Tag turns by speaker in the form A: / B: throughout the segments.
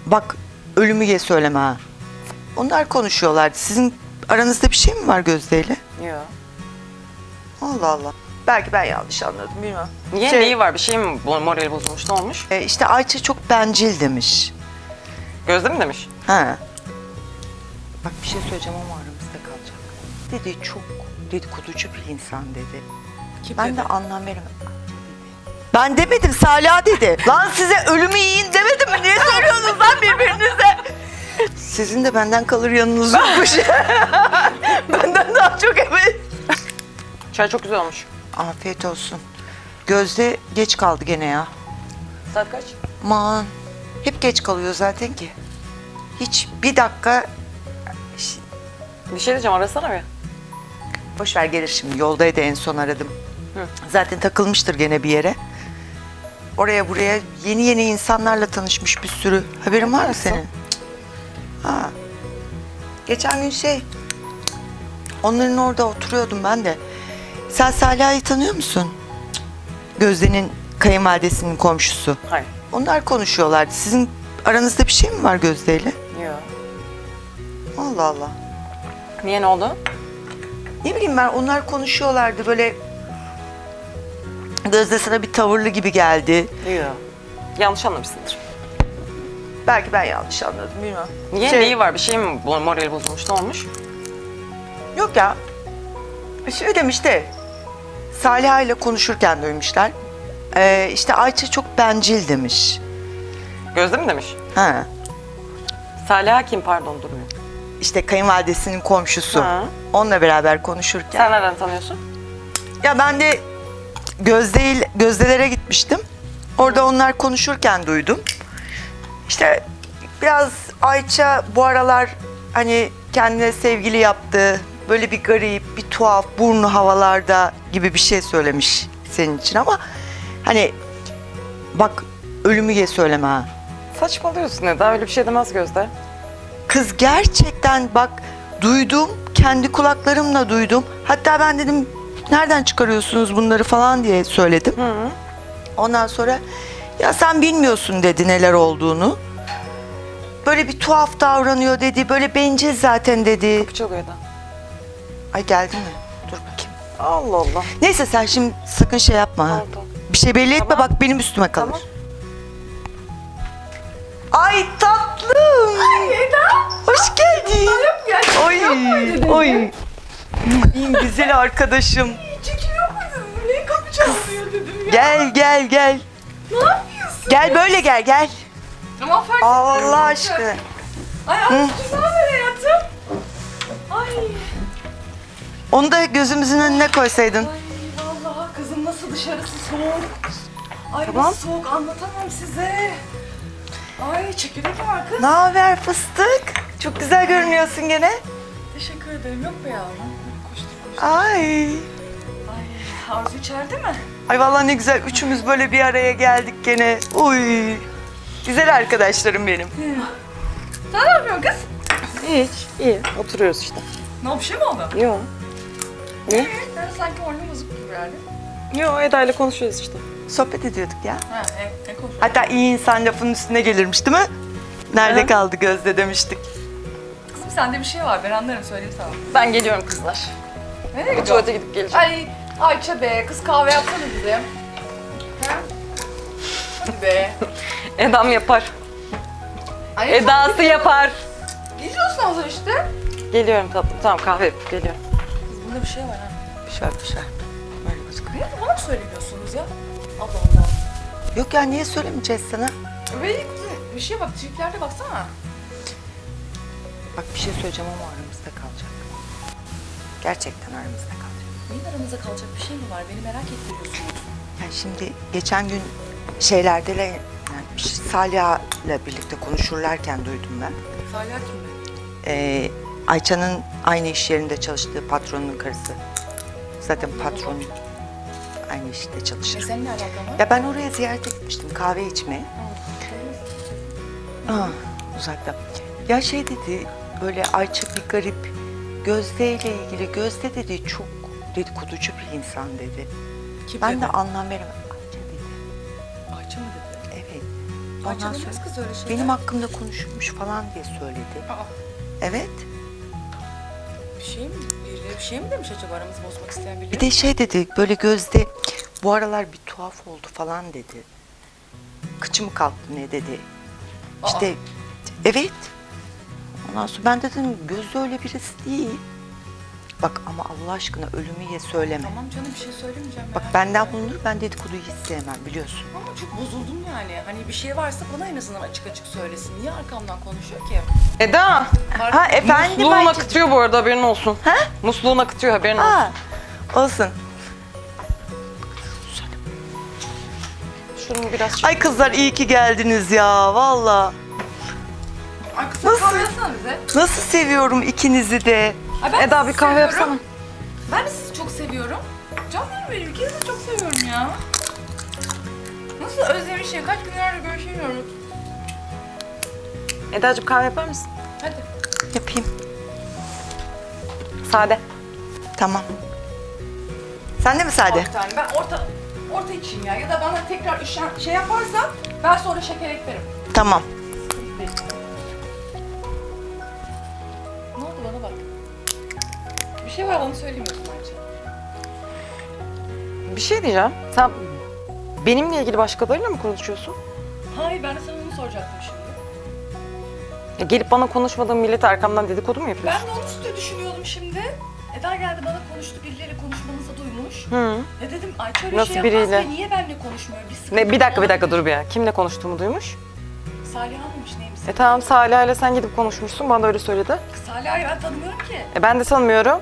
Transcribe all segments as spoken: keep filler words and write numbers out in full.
A: Bak ölümüye söyleme ha. Onlar konuşuyorlardı. Sizin aranızda bir şey mi var Gözde'yle?
B: Yok.
A: Allah Allah. Belki ben yanlış anladım bilmem.
B: Niye?
A: Şey-
B: Neyi var? Bir şey mi bu- morali bozulmuş? Ne olmuş?
A: E, işte Ayça çok bencil demiş.
B: Gözde mi demiş?
A: Ha. Bak bir şey söyleyeceğim ama aramızda kalacak. Dedi çok dedikoducu bir insan dedi.
C: Kim
A: Ben
C: dedi?
A: de anlam veremedim. Ben demedim, Salih dedi. Lan size ölümü yiyin demedim mi? Niye soruyorsunuz lan birbirinize? Sizin de benden kalır yanınız yokmuş. Benden daha çok evet.
B: Çay çok güzel olmuş.
A: Afiyet olsun. Gözde geç kaldı gene ya.
B: Saat kaç?
A: Aman hep geç kalıyor zaten ki. Hiç bir dakika...
B: Bir şey diyeceğim, arasana bir.
A: Boş ver gelir şimdi. Yoldaydı en son aradım.
B: Hı.
A: Zaten takılmıştır gene bir yere. Oraya buraya yeni yeni insanlarla tanışmış bir sürü. Haberin var mı
B: Nasıl?
A: senin? Ha. Geçen gün şey... Onların orada oturuyordum ben de. Sen Salih'i tanıyor musun? Gözde'nin kayınvalidesinin komşusu.
B: Hayır.
A: Onlar konuşuyorlardı. Sizin aranızda bir şey mi var Gözde'yle?
B: Yok.
A: Allah Allah.
B: Niye, ne oldu?
A: Ne bileyim ben, onlar konuşuyorlardı böyle. Gözde sana bir tavırlı gibi geldi.
B: Yok. Yanlış anlamışsındır.
A: Belki ben yanlış anladım bilmem.
B: Niye?
A: Şey-
B: Neyi var? Bir şey mi bu- morali bozulmuş? Ne olmuş?
A: Yok ya. Şey demişti. Salih ile konuşurken duymuşlar. Ee, işte Ayça çok bencil demiş.
B: Gözde mi demiş?
A: Ha.
B: Salih kim, pardon, durmuyor.
A: İşte kayınvalidesinin komşusu.
B: Ha.
A: Onunla beraber konuşurken.
B: Sen nereden tanıyorsun?
A: Ya ben de Gözde ile- Gözdelere gitmiştim. Orada onlar konuşurken duydum. İşte biraz Ayça bu aralar hani kendine sevgili yaptı. Böyle bir garip, bir tuhaf, burnu havalarda gibi bir şey söylemiş senin için ama hani bak ölümüye söyleme ha.
B: Saçmalıyorsun Eda, öyle bir şey demez Gözde.
A: Kız gerçekten bak duydum, kendi kulaklarımla duydum. Hatta ben dedim nereden çıkarıyorsunuz bunları falan diye söyledim.
B: Hı hı.
A: Ondan sonra ya sen bilmiyorsun dedi neler olduğunu. Böyle bir tuhaf davranıyor dedi. Böyle bencil zaten dedi.
B: Kapı çalıyor Eda.
A: Ay geldi mi? Dur bakayım.
B: Allah Allah.
A: Neyse sen şimdi sakın şey yapma ha.
B: Tamam, tamam.
A: Bir şey belli etme
B: Tamam.
A: bak benim üstüme kalır.
B: Tamam.
A: Ay tatlım.
C: Ay Eda.
A: Hoş geldin.
C: Gerçekten
A: Oy.
C: yok muydun?
A: Oy. İyi güzel arkadaşım.
C: Çekiliyor muydun? Niye kapı çalmıyor dedim ya.
A: Gel gel gel.
C: Ne yapıyorsun?
A: Gel böyle gel gel.
C: Ama fark
A: Allah
C: etmiyorum.
A: aşkına.
C: Ay azıcık ne haber hayatım? Ay.
A: Onu da gözümüzün önüne koysaydın.
C: Ay vallahi kızım nasıl dışarısı soğuk. Ay
A: Tamam.
C: nasıl soğuk anlatamam size. Ay çekirdek var kız.
A: Ne haber fıstık? Çok güzel görünüyorsun gene.
C: Teşekkür ederim. Yok be yavrum. Koştuk koştuk.
A: Ay.
C: Ay Arzu içeride mi?
A: Ay vallahi ne güzel üçümüz böyle bir araya geldik gene. Uy. Güzel arkadaşlarım benim.
C: Sen ne yapıyorsun kız?
B: Hiç, iyi. Oturuyoruz işte.
C: Ne oldu, bir şey mi oldu?
B: Yok. Niye?
C: Ben sanki oyunum bozuk gibi yani.
B: Yok, Eda ile konuşuyoruz işte.
A: Sohbet ediyorduk ya.
C: Ha ne, ne konuşuyorsun?
A: Hatta iyi insan lafının üstüne gelirmiş değil mi? Nerede
B: Hı.
A: kaldı Gözde demiştik.
C: Kızım sende bir şey var ben anlarım söyleyeyim sana.
B: Ben geliyorum kızlar.
C: Nereye
B: Bir
C: gidiyorsun?
B: tuvalete gidip geleceğim.
C: Ay Ayça be kız kahve yapsana bize. Ha? Hadi be.
B: Eda'm yapar.
C: Ay,
B: Eda'sı yapar.
C: Gidiyorsun az işte.
B: Geliyorum tatlım. Tamam, kahve yapıp geliyorum.
C: Kız bunda bir şey var ha.
A: Bir şey var, bir şey var. Böyle gözüküyor.
C: Niye bana mı söylemiyorsunuz ya? Allah Allah.
A: Yok ya niye söylemeyeceğiz sana?
C: Ve bir şeye bak triplerde baksana.
A: Bak bir şey söyleyeceğim ama aramızda kalacak. Gerçekten aramızda kalacak.
C: Neyin aramızda kalacak bir şey mi var? Beni merak ettiriyorsunuz.
A: Yani şimdi geçen gün şeylerde yani Salih'le birlikte konuşurlarken duydum ben.
C: Salih kim mi?
A: Ee, Ayça'nın aynı iş yerinde çalıştığı patronun karısı. Zaten patron aynı işte
C: E
A: çalışır.
C: senin ne alakan var?
A: Ya ben oraya ziyarete gitmiştim kahve içmeye. Aa, uzakta. Ya şey dedi böyle Ayça bir garip Gözde ile ilgili Gözde dedi çok dedikoducu bir insan dedi.
C: Kim
A: Ben
C: dedi?
A: de anlam veremedim. Ayça dedi.
C: Ayça mı dedi?
A: Evet. Ondan
C: Açalım
A: sonra
C: kız öyle şeyler.
A: benim hakkımda konuşulmuş falan diye söyledi.
C: Aa,
A: Evet.
C: bir şey mi? Birileri bir şey mi demiş acaba aramızı bozmak isteyen birileri?
A: Bir de şey dedi böyle Gözde bu aralar bir tuhaf oldu falan dedi. Kıçı mı kalktı ne dedi.
C: Aa.
A: İşte evet. Ondan sonra ben de dedim Gözde öyle birisi değil. Bak ama Allah aşkına ölümü ye söyleme.
C: Tamam canım bir şey söylemeyeceğim.
A: Bak
C: merak
A: benden
C: etme.
A: bulunur ben dedikoduyu hiç sevmem biliyorsun.
C: Ama çok bozuldum yani. Hani bir şey varsa bana en azından açık açık söylesin. Niye arkamdan konuşuyor ki?
B: Eda.
A: Ha efendim
B: Musluğun
A: Ayça-
B: akıtıyor bu arada haberin olsun.
A: Ha?
B: Musluğun akıtıyor haberin olsun.
A: Ha, olsun.
B: Şunu biraz
A: Ay kızlar iyi ki geldiniz ya valla.
C: Ay kısa
A: Nasıl?
C: kahve yapsana bize.
A: Nasıl seviyorum ikinizi de.
C: Ay ben
B: Eda
C: sizi
B: bir kahve
C: seviyorum.
B: yapsana.
C: Ben de sizi çok seviyorum. Canlarım benim. İkinizi de çok seviyorum ya. Nasıl özlemişim. Kaç günlerdir görüşemiyoruz.
B: Eda'cığım kahve yapar mısın?
C: Hadi.
A: Yapayım.
B: Sade.
A: Tamam. Sen de mi Sade?
C: Bir tane. Ben orta orta içeyim ya. Ya da bana tekrar üşen, şey yaparsan ben sonra şeker eklerim.
A: Tamam.
C: Ne oldu bana bak. Bir şey var bana söylemiyorsun Ayça.
B: Bir şey diyeceğim. Sen benimle ilgili başkalarıyla mı konuşuyorsun?
C: Hayır ben de sana onu soracaktım şimdi.
B: Ya gelip bana konuşmadığın millet arkamdan dedikodu mu yapıyorsun?
C: Ben de onu üstüne düşünüyordum şimdi. Eda geldi bana konuştu, birileriyle konuşmanızı duymuş.
B: Hı.
C: Ne dedim, Ayça öyle
B: Nasıl
C: şey
B: biriyle?
C: yapmaz ki, niye benimle konuşmuyor? Bir sıkıntı
B: Ne, bir dakika bir
C: var.
B: dakika dur bir ya. Kimle konuştuğumu duymuş?
C: Salih mıymış neymiş?
B: E tamam Salih ile sen gidip konuşmuşsun. Bana da öyle söyledi.
C: Salih'i ben tanımıyorum ki.
B: E ben de sanmıyorum.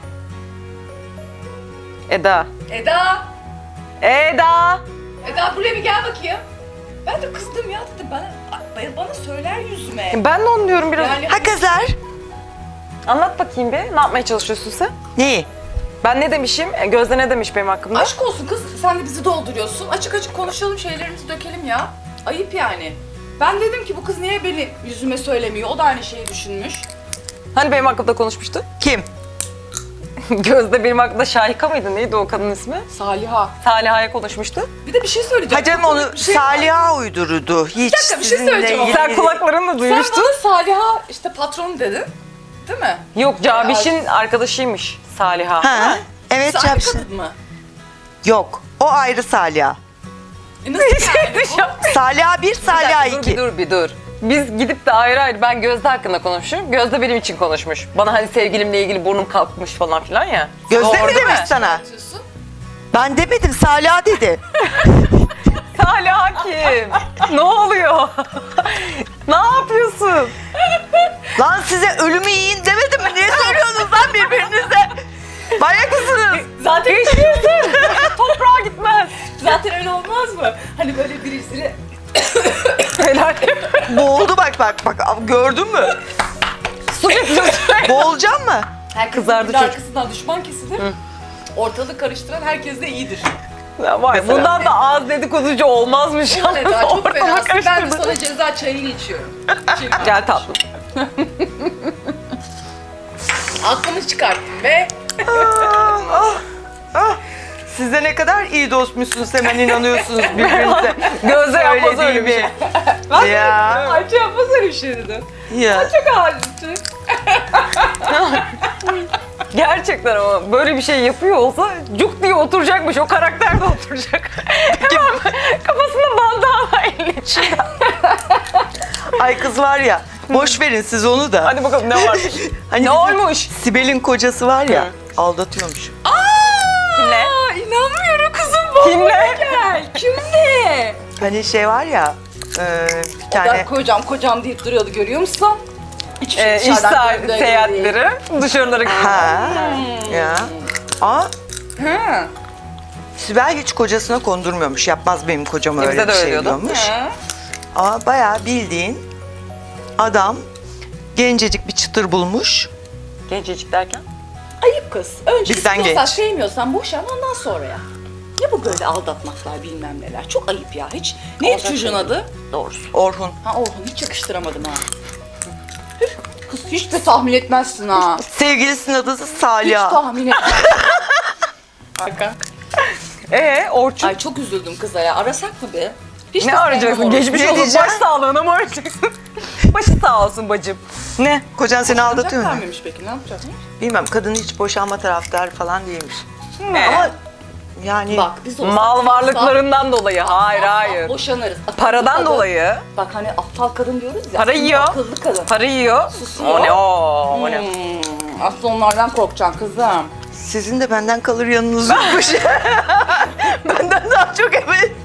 B: Eda.
C: Eda!
B: Eda!
C: Eda buraya bir gel bakayım. Ben de kızdım ya dedim, bana, bana söyler yüzüme.
B: E ben de onu diyorum biraz.
C: Yani
A: Ha kızlar.
B: Anlat bakayım bir. Ne yapmaya çalışıyorsun sen?
A: Neyi?
B: Ben ne demişim? E, Gözde ne demiş benim hakkımda?
C: aşk olsun kız, sen de bizi dolduruyorsun. Açık açık konuşalım, şeylerimizi dökelim ya. Ayıp yani. Ben dedim ki bu kız niye benim yüzüme söylemiyor? O da aynı şeyi düşünmüş.
B: Hani benim hakkımda konuşmuştu?
A: Kim?
B: Gözde benim hakkında Şahika mıydı? Neydi o kadın ismi?
C: Saliha.
B: Saliha'ya konuşmuştu.
C: Bir de bir şey söyleyeceğim.
A: Hacım
C: Çok
A: onu
C: komik bir şey var.
A: Salih'a uydurdu. Hiç
C: dakika, bir şey
A: sizinle
C: söyleyeceğim ama.
A: ilgili-
B: Sen kulaklarınla
C: Sen
B: duymuştun.
C: bana Saliha işte patron dedin. Değil mi?
B: Yok Cabiş'in arkadaşıymış Saliha.
A: Ha? Evet
C: Siz aynı
A: Çapşın.
C: kadın mı?
A: Yok. O ayrı Salih'a.
C: E nasıl yani bu?
A: Salih'a bir, Salih'a
B: Bir dakika, dur bir
A: iki.
B: dur bir dur. Biz gidip de ayrı ayrı ben Gözde hakkında konuşuyorum. Gözde benim için konuşmuş. Bana hani sevgilimle ilgili burnum kalkmış falan filan ya.
A: Gözde
B: Doğru
A: mi
B: değil
A: demiş sana?
C: Anlatıyorsun.
A: Ben demedim Salih'a dedi.
B: Salih kim? Ne oluyor? Ne yapıyorsun?
A: Lan size ölümü yiyin demedim mi? Niye söylüyorsunuz lan birbirinize? Manyak mısınız?
C: Zaten
B: Geçiyorsun. Toprağa gitmez.
C: zaten öyle olmaz mı? Hani böyle birisini
B: Helal.
A: Boğuldu bak bak bak. Gördün mü?
B: Su getiriyorsun.
A: Boğulacağım mı?
C: herkesin
B: Kızardı
C: bir
B: çocuk.
C: arkasından düşman kesilir. Ortalığı karıştıran herkes de iyidir.
B: Ya var, bundan da az dedikoducu olmazmış.
C: Ulan Eda çok
B: Ortalığı
C: fenasın. Ben de
B: karıştırdın.
C: sana ceza çayını içiyorum. İçelim.
B: Gel tatlım.
C: Aklımı çıkarttım ve
A: Ah, ah, ah. Siz de ne kadar iyi dostmuşsunuz hemen inanıyorsunuz birbirinize.
B: Gözde yapmaz öyle bir şey.
A: Söylediğimi. Ya.
C: Ayça yapmaz öyle bir şey dedim.
A: Ya.
C: Çok halimsin.
B: Gerçekten ama böyle bir şey yapıyor olsa cuk diye oturacakmış. O karakter de oturacak. Hemen kafasında bandana elin içinde.
A: Ay kız var ya. Boş verin siz onu da.
B: Hadi bakalım ne varmış.
A: Hani
B: ne
A: bizim
B: olmuş?
A: Sibel'in kocası var ya.
B: Hı.
A: Aldatıyormuş.
B: Kimle?
C: Aa, inanmıyorum kızım bu.
B: Kimle?
C: Gel. Kimle?
A: Hani şey var ya. E, bir
C: Ben
A: tane.
C: kocam kocam deyip duruyordu, görüyor musun? Hiçbir
B: Ee, iş
C: dışarıdan
B: saat-
C: gördüğü gibi
B: seyahatleri, dışarıları.
A: Ha. Ya. Aa.
C: değil. Ha.
A: Sibel hiç kocasına kondurmuyormuş. Yapmaz benim kocam
B: Bizde
A: öyle
B: de
A: bir
B: öyle
A: şey
B: diyordu.
A: diyormuş.
C: Ha.
A: Ama bayağı bildiğin adam gencecik bir çıtır bulmuş.
B: Gencecik derken?
C: Ayıp kız. Önce
A: Bizden
C: istiyorsan
A: genç.
C: sevmiyorsan boşan, ondan sonra ya. Ne bu böyle aldatmaklar bilmem neler. Çok ayıp ya hiç. Neydi
B: Olacak
C: çocuğun
B: şey
C: adı?
B: Doğrusu.
A: Orhun.
C: Ha Orhun, hiç yakıştıramadım ha. Üf, kız hiç de tahmin etmezsin ha.
A: Sevgilisinin adı
C: Hiç
A: Salih.
C: tahmin etmezsin. Hakan.
B: Ee Orçun?
C: Ay çok üzüldüm kıza ya. Arasak mı be? Hiç de
B: Ne
C: sevmem
B: arayacaksın?
C: onu.
B: Geçmiş
A: Ne
B: olsun.
A: diyeceğim?
B: Baş sağlığına mı arayacaksın? Başı sağ olsun bacım. Ne?
A: Kocan seni aldatıyor mu?
C: Vermemiş peki ne yapacak?
A: Bilmem, kadın hiç boşanma taraftarı falan değilmiş.
B: Ne?
A: Ama yani
C: Bak biz olsak
B: Mal varlıklarından dolayı. Hayır
C: asla
B: hayır.
C: boşanırız. Akıllı
B: Paradan
C: kadın.
B: dolayı.
C: Bak hani aptal kadın diyoruz ya.
B: Para
C: aslında
B: yiyor.
C: Akıllı kadın.
B: Para yiyor.
C: Susuyor.
B: O ne o? O ne?
C: Hmm, aslında onlardan korkacaksın kızım.
A: sizin de benden kalır yanınız yokmuş. Benden daha çok evet.